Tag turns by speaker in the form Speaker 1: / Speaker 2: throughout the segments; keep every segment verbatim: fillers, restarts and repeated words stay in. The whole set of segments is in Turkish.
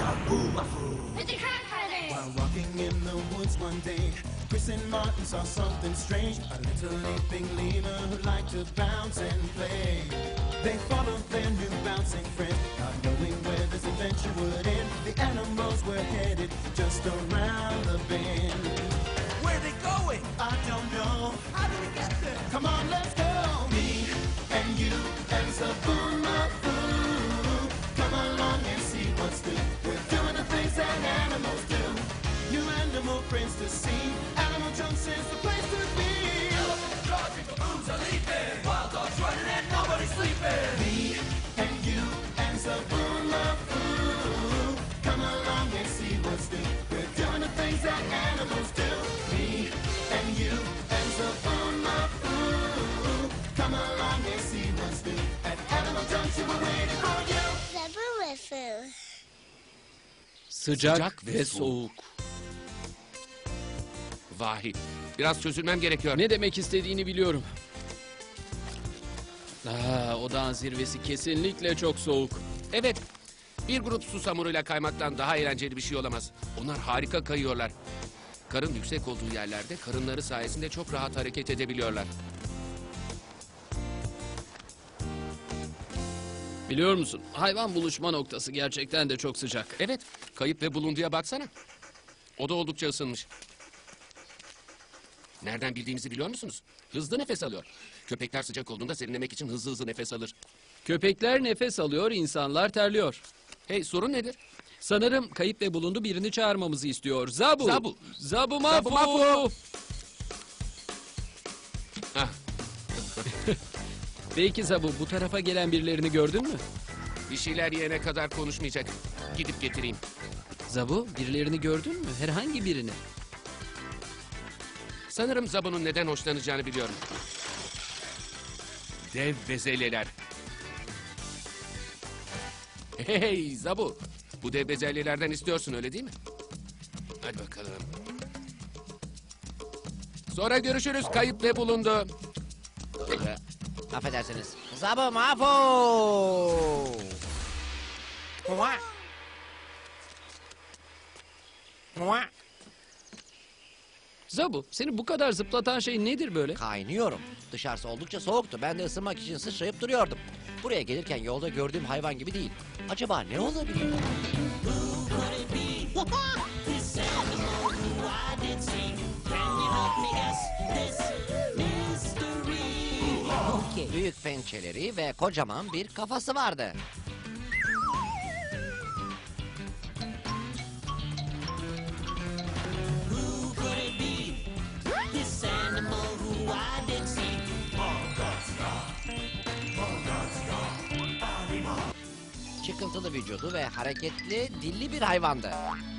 Speaker 1: While walking in the woods one day, Chris and Martin saw something strange. A little leaping lemur who liked to bounce and play. They followed their new bouncing friend, not knowing where this adventure would end. The animals were headed just around the bend.
Speaker 2: Where are they going?
Speaker 1: I don't know.
Speaker 2: How did we get there?
Speaker 1: Come on, let's go. Me and you and Zaboomafu. Come along and see what's new. We're doing the things that animals do. New animal friends to see. Animal Junction's the place to be.
Speaker 2: Elephants charging, baboons are leaping. Wild dogs running and nobody's sleeping.
Speaker 1: Me and you and Zaboomafu. Come along and see what's new. We're doing the things that animals do. Me and you and Zaboomafu. Come along and see what's new. At Animal Junction we're waiting for you.
Speaker 3: Zaboomafu.
Speaker 4: Sıcak,
Speaker 5: Sıcak ve
Speaker 4: ve soğuk.
Speaker 5: Vahit. Biraz çözülmem gerekiyor.
Speaker 4: Ne demek istediğini biliyorum. Aa, o dağın zirvesi kesinlikle çok soğuk.
Speaker 5: Evet. Bir grup susamuruyla kaymaktan daha eğlenceli bir şey olamaz. Onlar harika kayıyorlar. Karın yüksek olduğu yerlerde karınları sayesinde çok rahat hareket edebiliyorlar.
Speaker 4: Biliyor musun? Hayvan buluşma noktası gerçekten de çok sıcak.
Speaker 5: Evet. Kayıp ve bulunduya baksana. O da oldukça ısınmış. Nereden bildiğimizi biliyor musunuz? Hızlı nefes alıyor. Köpekler sıcak olduğunda serinlemek için hızlı hızlı nefes alır.
Speaker 4: Köpekler nefes alıyor, insanlar terliyor.
Speaker 5: Hey, sorun nedir?
Speaker 4: Sanırım kayıp ve bulundu birini çağırmamızı istiyor. Zabu!
Speaker 5: Zabu!
Speaker 4: Zaboomafu!
Speaker 5: Zaboomafu! Ah,
Speaker 4: Belki Zabu, bu tarafa gelen birilerini gördün mü?
Speaker 5: bir şeyler yiyene kadar konuşmayacak. Gidip getireyim.
Speaker 4: Zabu, birilerini gördün mü? Herhangi birini.
Speaker 5: Sanırım Zabu'nun neden hoşlanacağını biliyorum. Dev bezelyeler. Hey Zabu, bu dev bezelyelerden istiyorsun öyle değil mi? Hadi bakalım. Sonra görüşürüz, kayıp ve bulundu.
Speaker 6: Affedersiniz. Zaboomafu! Mua! Mua!
Speaker 4: Zabu, seni bu kadar zıplatan şey nedir böyle?
Speaker 6: Kaynıyorum. Dışarısı oldukça soğuktu. Ben de ısınmak için sıçrayıp duruyordum. Buraya gelirken yolda gördüğüm hayvan gibi değil. Acaba ne olabilir? Büyük pençeleri ve kocaman bir kafası vardı. Çıkıntılı vücudu ve hareketli, dilli bir hayvandı.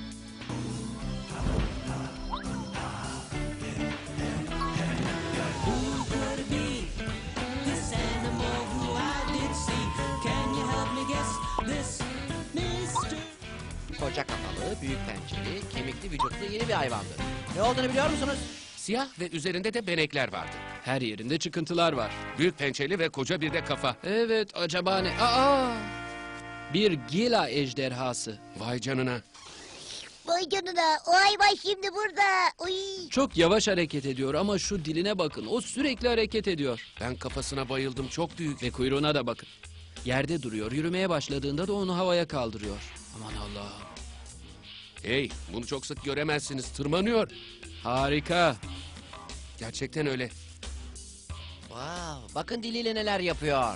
Speaker 6: Koca kafalı, büyük pençeli, kemikli vücutlu yeni bir hayvandı. Ne olduğunu biliyor musunuz?
Speaker 5: Siyah ve üzerinde de benekler vardı.
Speaker 4: Her yerinde çıkıntılar var.
Speaker 5: Büyük pençeli ve koca bir de kafa.
Speaker 4: Evet, acaba ne? Aa! Bir gila ejderhası.
Speaker 5: Vay canına.
Speaker 3: Vay canına. O hayvan şimdi burada. Uy.
Speaker 4: Çok yavaş hareket ediyor ama şu diline bakın. O sürekli hareket ediyor.
Speaker 5: Ben kafasına bayıldım, çok büyük.
Speaker 4: Ve kuyruğuna da bakın. Yerde duruyor. Yürümeye başladığında da onu havaya kaldırıyor. Aman Allah'ım.
Speaker 5: Hey, bunu çok sık göremezsiniz, tırmanıyor.
Speaker 4: Harika.
Speaker 5: Gerçekten öyle.
Speaker 6: Wow, bakın diliyle neler yapıyor.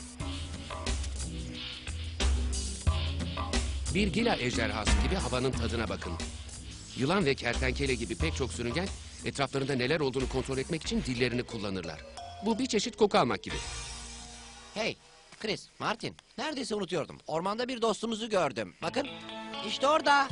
Speaker 5: Bir gila ejderhası gibi havanın tadına bakın. Yılan ve kertenkele gibi pek çok sürüngen etraflarında neler olduğunu kontrol etmek için dillerini kullanırlar. Bu bir çeşit koku almak gibi.
Speaker 6: Hey, Chris, Martin, neredeyse unutuyordum. Ormanda bir dostumuzu gördüm. Bakın, işte orada.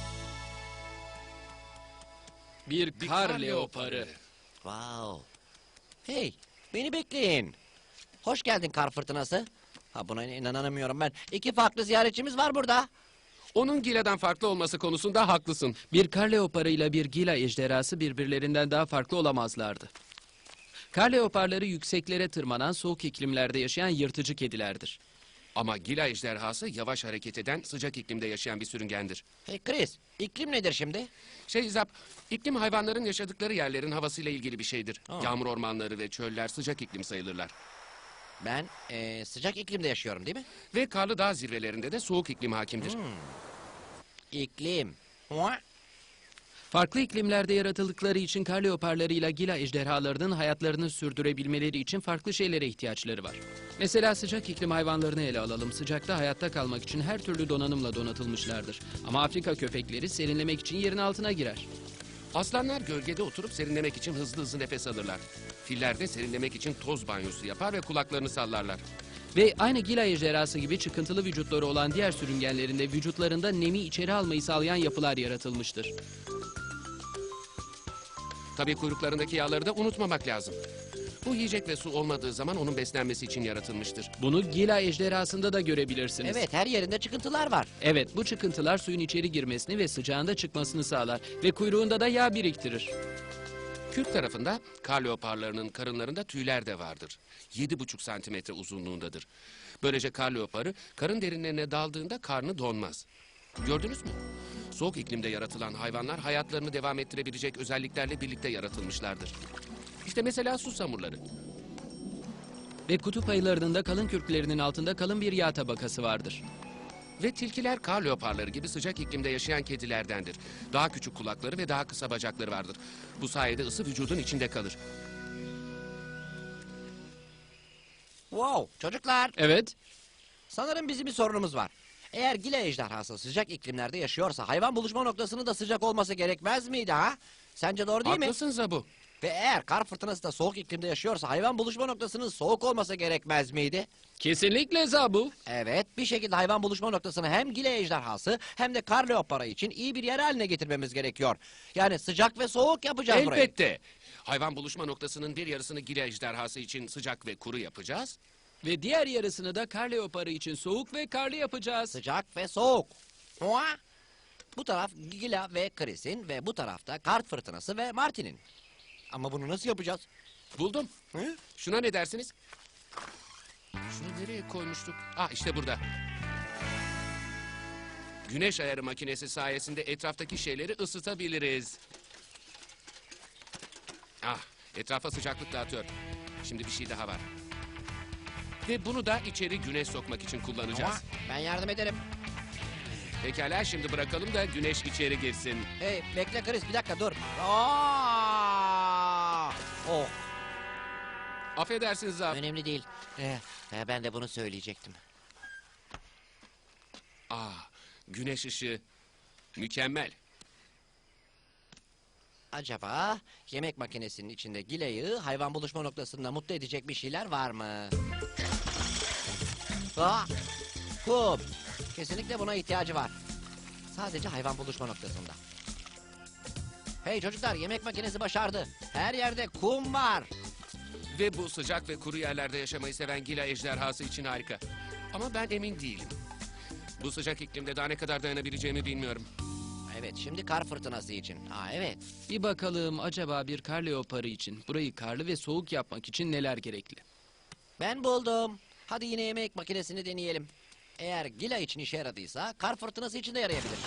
Speaker 4: Bir kar leoparı.
Speaker 6: Wow. Hey, beni bekleyin. Hoş geldin kar fırtınası. Ha, buna inanamıyorum ben. İki farklı ziyaretçimiz var burada.
Speaker 5: Onun giladan farklı olması konusunda haklısın.
Speaker 4: Bir kar leoparı ile bir gila ejderhası birbirlerinden daha farklı olamazlardı. Kar leoparları yükseklere tırmanan soğuk iklimlerde yaşayan yırtıcı kedilerdir.
Speaker 5: Ama Gila ejderhası yavaş hareket eden, sıcak iklimde yaşayan bir sürüngendir.
Speaker 6: Hey Chris, iklim nedir şimdi?
Speaker 5: Şey Zap, iklim hayvanların yaşadıkları yerlerin havasıyla ilgili bir şeydir.
Speaker 6: Aa.
Speaker 5: Yağmur ormanları ve çöller sıcak iklim sayılırlar.
Speaker 6: Ben eee, sıcak iklimde yaşıyorum değil mi?
Speaker 5: Ve karlı dağ zirvelerinde de soğuk iklim hakimdir.
Speaker 6: İklim. Hua.
Speaker 4: Farklı iklimlerde yaratıldıkları için kar leoparlarıyla gila ejderhalarının hayatlarını sürdürebilmeleri için farklı şeylere ihtiyaçları var. Mesela sıcak iklim hayvanlarını ele alalım. Sıcakta hayatta kalmak için her türlü donanımla donatılmışlardır. Ama Afrika köpekleri serinlemek için yerin altına girer.
Speaker 5: Aslanlar gölgede oturup serinlemek için hızlı hızlı nefes alırlar. Filler de serinlemek için toz banyosu yapar ve kulaklarını sallarlar.
Speaker 4: Ve aynı gila ejderhası gibi çıkıntılı vücutları olan diğer sürüngenlerin de vücutlarında nemi içeri almayı sağlayan yapılar yaratılmıştır.
Speaker 5: Tabii kuyruklarındaki yağları da unutmamak lazım. Bu yiyecek ve su olmadığı zaman onun beslenmesi için yaratılmıştır.
Speaker 4: Bunu gila ejderhasında da görebilirsiniz.
Speaker 6: Evet, her yerinde çıkıntılar var.
Speaker 4: Evet, bu çıkıntılar suyun içeri girmesini ve sıcağında çıkmasını sağlar ve kuyruğunda da yağ biriktirir.
Speaker 5: Kürk tarafında kar leoparlarının karınlarında tüyler de vardır. Yedi buçuk santimetre uzunluğundadır. Böylece kar leoparı karın derinlerine daldığında karnı donmaz. Gördünüz mü? Soğuk iklimde yaratılan hayvanlar hayatlarını devam ettirebilecek özelliklerle birlikte yaratılmışlardır. İşte mesela susamurları.
Speaker 4: Ve kutup ayılarının da kalın kürklerinin altında kalın bir yağ tabakası vardır.
Speaker 5: Ve tilkiler kar leoparları gibi sıcak iklimde yaşayan kedilerdendir. Daha küçük kulakları ve daha kısa bacakları vardır. Bu sayede ısı vücudun içinde kalır.
Speaker 6: Wow, çocuklar.
Speaker 4: Evet,
Speaker 6: Sanırım bizim bir sorunumuz var. Eğer gila ejderhası sıcak iklimlerde yaşıyorsa hayvan buluşma noktasının da sıcak olması gerekmez miydi ha? Sence doğru değil mi?
Speaker 5: Haklısın Zabu.
Speaker 6: Ve eğer kar fırtınası da soğuk iklimde yaşıyorsa hayvan buluşma noktasının soğuk olması gerekmez miydi?
Speaker 4: kesinlikle Zabu.
Speaker 6: Evet, bir şekilde hayvan buluşma noktasını hem gila ejderhası hem de kar leoparı için iyi bir yer haline getirmemiz gerekiyor. Yani sıcak ve soğuk yapacağız burayı.
Speaker 5: Elbette. Hayvan buluşma noktasının bir yarısını gila ejderhası için sıcak ve kuru yapacağız.
Speaker 4: Ve diğer yarısını da kar leoparı için soğuk ve karlı yapacağız.
Speaker 6: Sıcak ve soğuk. Hua! Bu taraf Gila ve Chris'in ve bu tarafta kar fırtınası ve Martin'in. Ama bunu nasıl yapacağız?
Speaker 5: Buldum.
Speaker 6: Hı?
Speaker 5: Şuna ne dersiniz? Şunu nereye koymuştuk? Ah işte burada. Güneş ayarı makinesi sayesinde etraftaki şeyleri ısıtabiliriz. Ah, etrafa sıcaklık dağıtıyor. Şimdi bir şey daha var. Ve bunu da içeri güneş sokmak için kullanacağız.
Speaker 6: Hua! Ben yardım ederim.
Speaker 5: Pekala şimdi bırakalım da güneş içeri girsin.
Speaker 6: Hey bekle Chris bir dakika dur. Aa! Oh
Speaker 5: Affedersiniz abi.
Speaker 6: önemli değil. Ee, e, ben de bunu söyleyecektim.
Speaker 5: Ah, güneş ışığı. Mükemmel.
Speaker 6: Acaba yemek makinesinin içinde Gila'yı hayvan buluşma noktasında mutlu edecek bir şeyler var mı? Aa, kum. Kesinlikle buna ihtiyacı var. Sadece hayvan buluşma noktasında. Hey çocuklar yemek makinesi başardı. Her yerde kum var.
Speaker 5: Ve bu sıcak ve kuru yerlerde yaşamayı seven Gila ejderhası için harika. Ama ben emin değilim. Bu sıcak iklimde daha ne kadar dayanabileceğimi bilmiyorum.
Speaker 6: Evet şimdi kar fırtınası için. Aa evet.
Speaker 4: Bir bakalım acaba bir kar leoparı için burayı karlı ve soğuk yapmak için neler gerekli?
Speaker 6: Ben buldum. Hadi yine yemek makinesini deneyelim. Eğer Gila için işe yaradıysa kar fırtınası için de yarayabilir.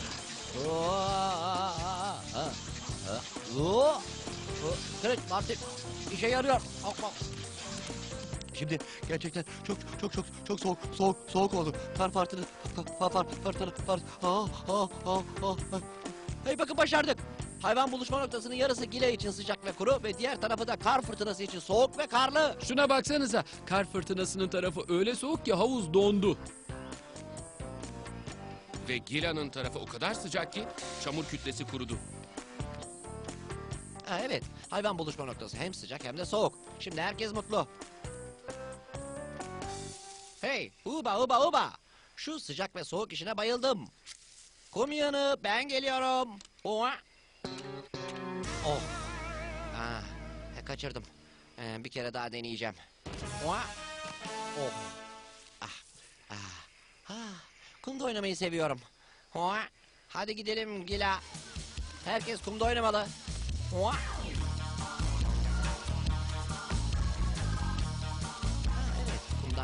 Speaker 6: Kırık Martin işe yarıyor. Hop, hop.
Speaker 7: Şimdi gerçekten çok çok çok çok soğuk soğuk soğuk oldu. Kar fırtınası kar far fırtına far. Ah ah ah ah.
Speaker 6: Hey bakın başardık. Hayvan buluşma noktasının yarısı Gila için sıcak ve kuru ve diğer tarafı da kar fırtınası için soğuk ve karlı.
Speaker 4: Şuna baksanıza, kar fırtınasının tarafı öyle soğuk ki havuz dondu.
Speaker 5: Ve Gila'nın tarafı o kadar sıcak ki çamur kütlesi kurudu.
Speaker 6: Ha, evet hayvan buluşma noktası hem sıcak hem de soğuk. Şimdi herkes mutlu. Hey uba uba uba. Şu sıcak ve soğuk işine bayıldım. Kum yığını ben geliyorum. Oha. Oh. Ah, e, kaçırdım. Ee, bir kere daha deneyeceğim. Oha. Oh. Ah. Ah. Ah. Kumda oynamayı seviyorum. Oha. Hadi gidelim Gila. Herkes kumda oynamalı. Oha. Ha, evet, kumda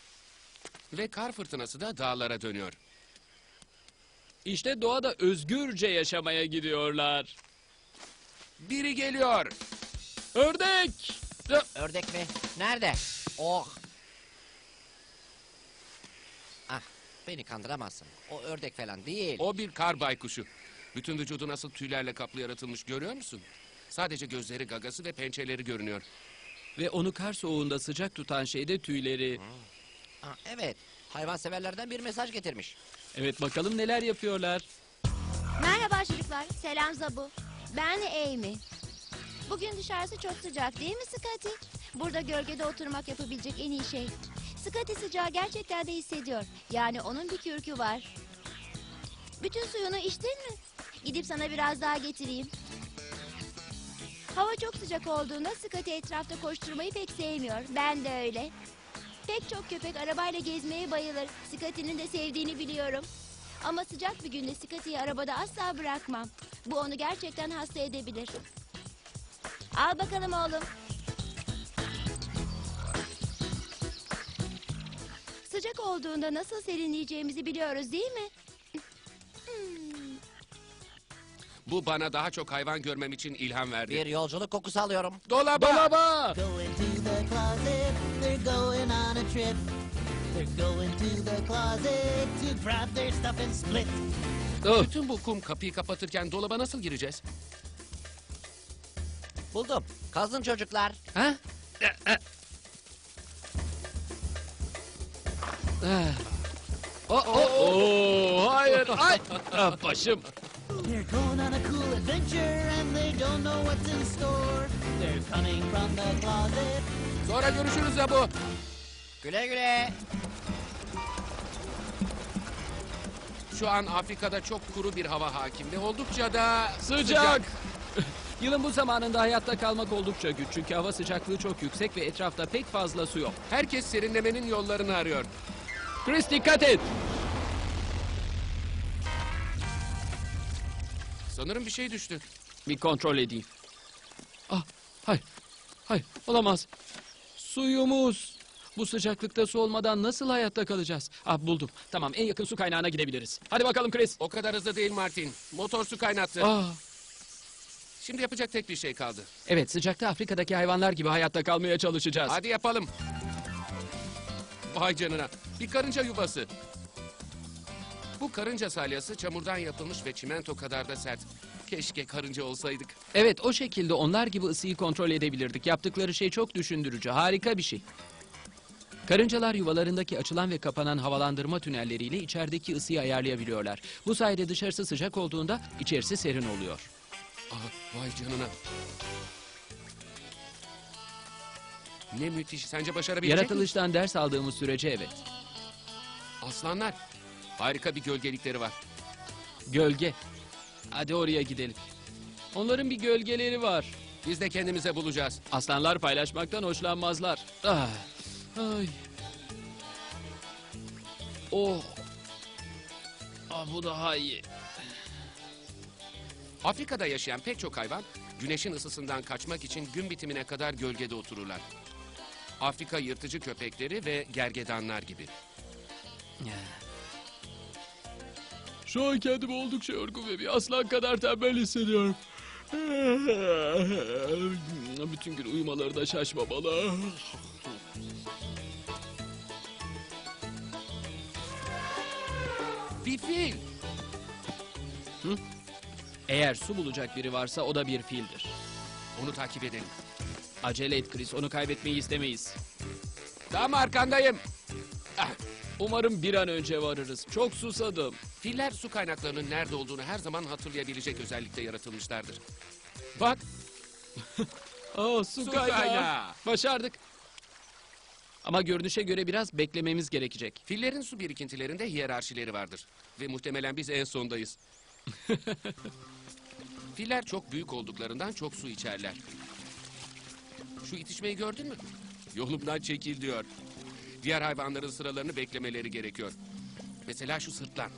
Speaker 5: Ve kar fırtınası da dağlara dönüyor.
Speaker 4: İşte doğada özgürce yaşamaya gidiyorlar.
Speaker 5: Biri geliyor.
Speaker 4: Ördek! Ö-
Speaker 6: Ördek mi? Nerede? Oh. Ah, beni kandıramazsın. O ördek falan değil.
Speaker 5: O bir kar baykuşu. Bütün vücudu nasıl tüylerle kaplı yaratılmış görüyor musun? Sadece gözleri, gagası ve pençeleri görünüyor.
Speaker 4: Ve onu kar soğuğunda sıcak tutan şey de tüyleri.
Speaker 6: Ah, evet, hayvanseverlerden bir mesaj getirmiş.
Speaker 4: Evet, bakalım neler yapıyorlar.
Speaker 8: Merhaba çocuklar. Selam Zabu. Ben Amy. Bugün dışarısı çok sıcak değil mi Scotty? Burada gölgede oturmak yapabilecek en iyi şey. Scotty sıcağı gerçekten de hissediyor. Yani onun bir kürkü var. Bütün suyunu içtin mi? Gidip sana biraz daha getireyim. Hava çok sıcak olduğunda Scotty etrafta koşturmayı pek sevmiyor. Ben de öyle. Pek çok köpek arabayla gezmeye bayılır. Scotty'nin de sevdiğini biliyorum. Ama sıcak bir günde Scotty'yi arabada asla bırakmam. Bu onu gerçekten hasta edebilir. Al bakalım oğlum. Sıcak olduğunda nasıl serinleyeceğimizi biliyoruz değil mi? Hmm.
Speaker 5: Bu bana daha çok hayvan görmem için ilham verdi.
Speaker 6: Bir yolculuk kokusu alıyorum.
Speaker 5: Dolaba!
Speaker 4: Dolaba!
Speaker 9: Go into the closet, they're going on a trip. They're going to the closet to grab their stuff and split.
Speaker 4: Oh,
Speaker 5: Bütün bu kum kapıyı kapatırken dolaba nasıl gireceğiz?
Speaker 6: Buldum. Kazın çocuklar.
Speaker 4: ha? Ah. Oh, oh, oh, hayır, ay! Ah, başım.
Speaker 9: They're going on a cool adventure and they don't know what's in store. They're coming from the closet.
Speaker 5: Sonra görüşürüz ya bu.
Speaker 6: Güle güle.
Speaker 5: Şu an Afrika'da çok kuru bir hava hakim ve oldukça da
Speaker 4: Sıcak! Yılın bu zamanında hayatta kalmak oldukça güç. Çünkü hava sıcaklığı çok yüksek ve etrafta pek fazla su yok.
Speaker 5: Herkes serinlemenin yollarını arıyor.
Speaker 4: Chris, dikkat et!
Speaker 5: Sanırım bir şey düştü.
Speaker 4: Bir kontrol edeyim. Ah, hayır, hayır, olamaz. Suyumuz. Bu sıcaklıkta su olmadan nasıl hayatta kalacağız? Ah, buldum. Tamam, en yakın su kaynağına gidebiliriz. Hadi bakalım Chris.
Speaker 5: O kadar hızlı değil Martin. Motor su kaynattı.
Speaker 4: Ah,
Speaker 5: Şimdi yapacak tek bir şey kaldı.
Speaker 4: evet, sıcakta Afrika'daki hayvanlar gibi hayatta kalmaya çalışacağız.
Speaker 5: Hadi yapalım. Vay canına. Bir karınca yuvası. Bu karınca salyası çamurdan yapılmış ve çimento kadar da sert. Keşke karınca olsaydık.
Speaker 4: Evet, o şekilde onlar gibi ısıyı kontrol edebilirdik. Yaptıkları şey çok düşündürücü, harika bir şey. Karıncalar yuvalarındaki açılan ve kapanan havalandırma tünelleriyle içerideki ısıyı ayarlayabiliyorlar. Bu sayede dışarısı sıcak olduğunda içerisi serin oluyor.
Speaker 5: Aha, vay canına. Ne müthiş. Sence başarabilecek mi?
Speaker 4: Yaratılıştan ders aldığımız sürece evet.
Speaker 5: Aslanlar. Harika bir gölgelikleri var.
Speaker 4: Gölge. Hadi oraya gidelim. Onların bir gölgeleri var.
Speaker 5: Biz de kendimize bulacağız.
Speaker 4: Aslanlar paylaşmaktan hoşlanmazlar. Ah. Ay. Oh. Ah, bu daha iyi.
Speaker 5: Afrika'da yaşayan pek çok hayvan güneşin ısısından kaçmak için gün bitimine kadar gölgede otururlar. Afrika yırtıcı köpekleri ve gergedanlar gibi.
Speaker 4: Şu an kendimi oldukça yorgun ve bir aslan kadar tembel hissediyorum. Bütün gün uyumaları da şaşmamalı.
Speaker 5: Bir fil.
Speaker 4: Hı? Eğer su bulacak biri varsa o da bir fildir.
Speaker 5: Onu takip edelim.
Speaker 4: Acele et Chris, onu kaybetmeyi istemeyiz.
Speaker 5: Tam arkandayım. Ah,
Speaker 4: Umarım bir an önce varırız. Çok susadım.
Speaker 5: filler su kaynaklarının nerede olduğunu her zaman hatırlayabilecek özellikle yaratılmışlardır.
Speaker 4: Bak. Aa, su,
Speaker 5: Su
Speaker 4: kaynağı.
Speaker 5: kaynağı.
Speaker 4: Başardık. Ama görünüşe göre biraz beklememiz gerekecek.
Speaker 5: Fillerin su birikintilerinde hiyerarşileri vardır. Ve muhtemelen biz en sondayız. Filler çok büyük olduklarından çok su içerler. Şu itişmeyi gördün mü? Yolumdan çekil diyor. Diğer hayvanların sıralarını beklemeleri gerekiyor. Mesela şu sırtlan.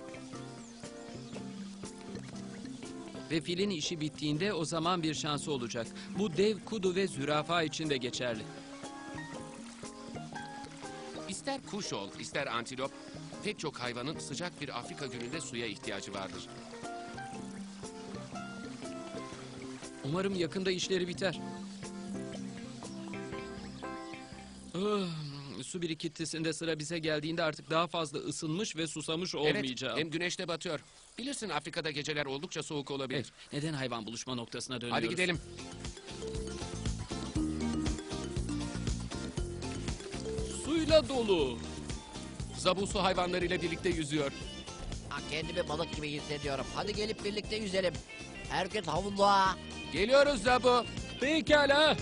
Speaker 4: Ve filin işi bittiğinde o zaman bir şansı olacak. Bu dev kudu ve zürafa için de geçerli.
Speaker 5: İster kuş ol, ister antilop, pek çok hayvanın sıcak bir Afrika gününde suya ihtiyacı vardır.
Speaker 4: Umarım yakında işleri biter. Ah, su birikintisinde sıra bize geldiğinde artık daha fazla ısınmış ve susamış olmayacağım.
Speaker 5: Evet, hem güneş de batıyor. Bilirsin Afrika'da geceler oldukça soğuk olabilir.
Speaker 4: Evet, neden hayvan buluşma noktasına dönüyoruz?
Speaker 5: Hadi gidelim.
Speaker 4: Suyla dolu.
Speaker 5: Zabu su hayvanlarıyla birlikte yüzüyor.
Speaker 6: Ha, kendimi balık gibi hissediyorum. Hadi gelip birlikte yüzelim. Herkes havluğa.
Speaker 5: Geliyoruz Zabu.
Speaker 4: Pekala.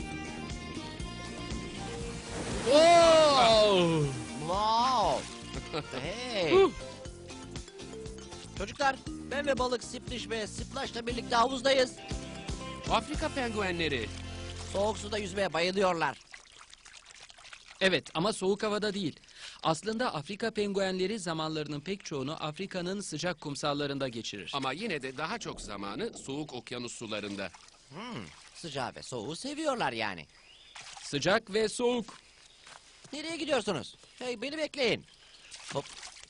Speaker 4: Oh!
Speaker 6: Wow. Hey.
Speaker 4: Huh!
Speaker 6: Çocuklar, ben ve balık Splish ve Splash'la birlikte havuzdayız.
Speaker 5: Afrika penguenleri.
Speaker 6: Soğuk suda yüzmeye bayılıyorlar.
Speaker 4: Evet ama soğuk havada değil. Aslında Afrika penguenleri zamanlarının pek çoğunu Afrika'nın sıcak kumsallarında geçirir.
Speaker 5: Ama yine de daha çok zamanı soğuk okyanus sularında.
Speaker 6: Hmm, sıcağı ve soğuğu seviyorlar yani.
Speaker 4: Sıcak ve soğuk.
Speaker 6: Nereye gidiyorsunuz? Hey, beni bekleyin. Hop.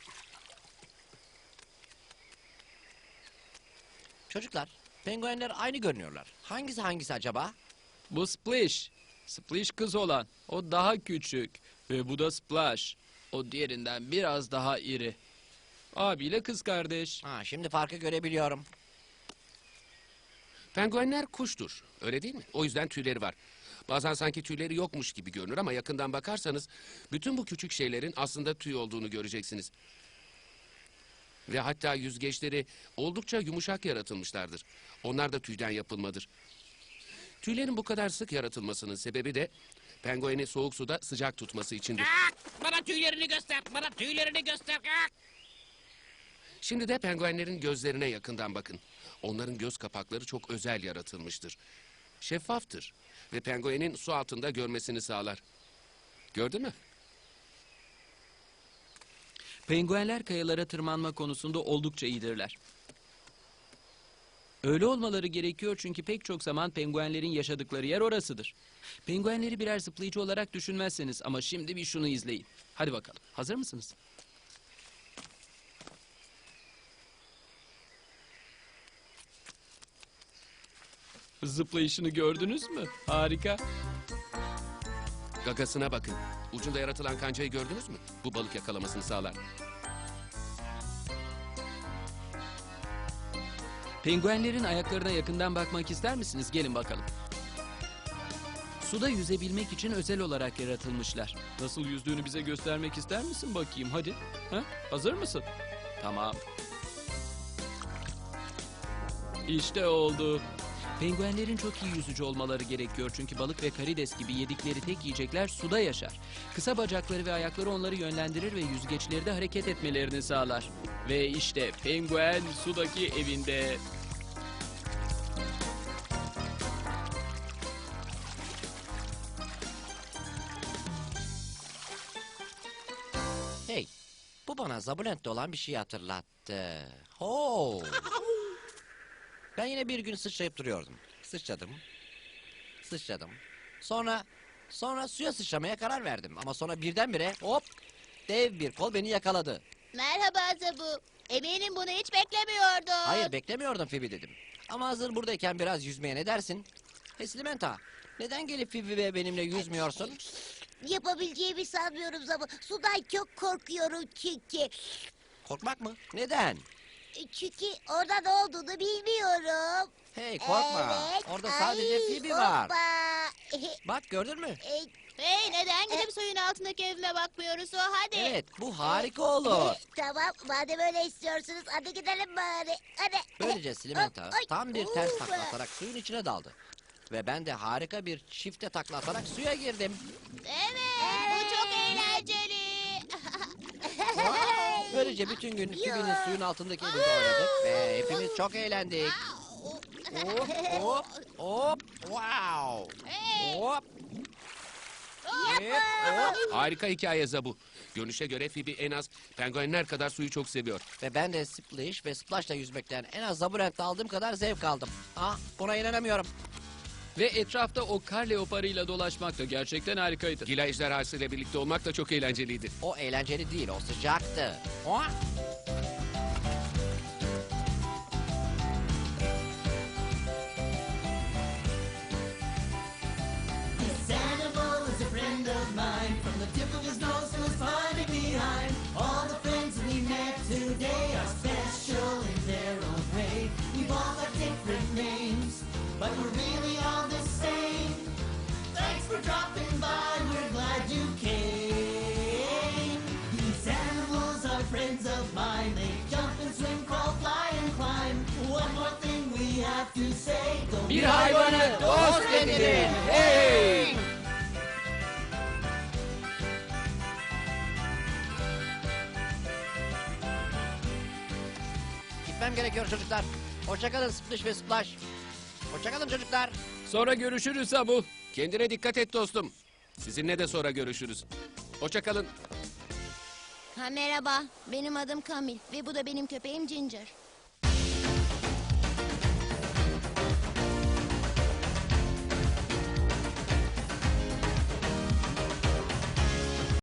Speaker 6: Çocuklar, penguenler aynı görünüyorlar. Hangisi hangisi acaba?
Speaker 4: Bu Splish. Splish kız olan. O daha küçük. Ve bu da Splash. O diğerinden biraz daha iri. Abiyle kız kardeş.
Speaker 6: Ha, şimdi farkı görebiliyorum.
Speaker 5: Penguenler kuştur, öyle değil mi? O yüzden tüyleri var. Bazen sanki tüyleri yokmuş gibi görünür ama yakından bakarsanız bütün bu küçük şeylerin aslında tüy olduğunu göreceksiniz. Ve hatta yüzgeçleri oldukça yumuşak yaratılmışlardır. Onlar da tüyden yapılmadır. Tüylerin bu kadar sık yaratılmasının sebebi de pengueni soğuk suda sıcak tutması içindir.
Speaker 10: Kalk! Bana tüylerini göster. Bana tüylerini göster. Kalk!
Speaker 5: Şimdi de penguenlerin gözlerine yakından bakın. Onların göz kapakları çok özel yaratılmıştır. Şeffaftır ve penguenin su altında görmesini sağlar. Gördün mü?
Speaker 4: Penguenler kayalara tırmanma konusunda oldukça iyidirler. Öyle olmaları gerekiyor çünkü pek çok zaman penguenlerin yaşadıkları yer orasıdır. Penguenleri birer zıplayıcı olarak düşünmezseniz ama şimdi bir şunu izleyin. Hadi bakalım. Hazır mısınız? Zıplayışını gördünüz mü? Harika.
Speaker 5: Gagasına bakın. Ucunda yaratılan kancayı gördünüz mü? Bu balık yakalamasını sağlar.
Speaker 4: Penguenlerin ayaklarına yakından bakmak ister misiniz? Gelin bakalım. Suda yüzebilmek için özel olarak yaratılmışlar. Nasıl yüzdüğünü bize göstermek ister misin bakayım? Hadi. Ha? Hazır mısın? Tamam. İşte oldu. Penguenlerin çok iyi yüzücü olmaları gerekiyor çünkü balık ve karides gibi yedikleri tek yiyecekler suda yaşar. Kısa bacakları ve ayakları onları yönlendirir ve yüzgeçleri de hareket etmelerini sağlar. Ve işte penguen sudaki evinde.
Speaker 6: Hey, bu bana Zabulent'te olan bir şey hatırlattı. Ho! Ben yine bir gün sıçrayıp duruyordum. Sıçradım. Sıçradım. Sonra, sonra suya sıçramaya karar verdim. Ama sonra birdenbire hop! Dev bir kol beni yakaladı.
Speaker 8: Merhaba Zabu. Eminim bunu hiç beklemiyordun.
Speaker 6: Hayır, beklemiyordum Phoebe dedim. Ama hazır buradayken biraz yüzmeye ne dersin? Hey Slimenta, neden gelip Phoebe ve benimle yüzmüyorsun?
Speaker 3: Yapabileceğimi sanmıyorum Zabu. Sudan çok korkuyorum çünkü.
Speaker 6: Korkmak mı? Neden?
Speaker 3: Çünkü orada ne olduğunu bilmiyorum.
Speaker 6: Hey korkma.
Speaker 3: Evet.
Speaker 6: Orada sadece
Speaker 3: Ay,
Speaker 6: Phoebe var.
Speaker 3: hoppa.
Speaker 6: Bak gördün mü?
Speaker 3: E,
Speaker 8: Hey, neden gidip suyun altındaki evime bakmıyoruz o? Hadi.
Speaker 6: Evet, bu harika olur.
Speaker 3: Tamam, madem öyle istiyorsunuz hadi gidelim bari. Hadi.
Speaker 6: Böylece Slimenta
Speaker 3: Ay,
Speaker 6: tam bir ters
Speaker 3: ufa.
Speaker 6: takla atarak suyun içine daldı. Ve ben de harika bir çifte takla atarak suya girdim.
Speaker 8: Evet, bu çok eğlenceli.
Speaker 6: Böylece bütün gün Phoebe'nin suyun altındaki evinde oynadık ve hepimiz çok eğlendik. Hop hop hop wow. Hop. Hep, hop.
Speaker 5: Harika hikaye Zabu. Görünüşe göre Phoebe en az penguenler kadar suyu çok seviyor.
Speaker 6: Ve ben de Splish ve Splash'la yüzmekten en az Zabulent'te aldığım kadar zevk aldım. Ah, buna inanamıyorum.
Speaker 4: Ve etrafta o kar leoparıyla dolaşmak da gerçekten harikaydı.
Speaker 5: Gila ejderhası ile birlikte olmak da çok eğlenceliydi.
Speaker 6: O eğlenceli değil, o sıcaktı. Oha!
Speaker 9: This animal is a friend of mine. From the tip of his nose to his body behind. All the friends we met today are special in their own way. We've all got different names, but we're really all the same. Thanks for dropping by, we're glad you came. These animals are friends of mine. They jump and swim, crawl, fly and climb. One more thing we have to say. Don't
Speaker 6: Bir hayvanı dost edinin. Hey! Gitmem gerekiyor çocuklar. Hoşçakalın Splish ve Splash. Hoşçakalın çocuklar.
Speaker 4: Sonra görüşürüz Zabu.
Speaker 5: Kendine dikkat et dostum. Sizinle de sonra görüşürüz. Hoşça kalın.
Speaker 8: Ha, merhaba, benim adım Kamil ve bu da benim köpeğim Ginger.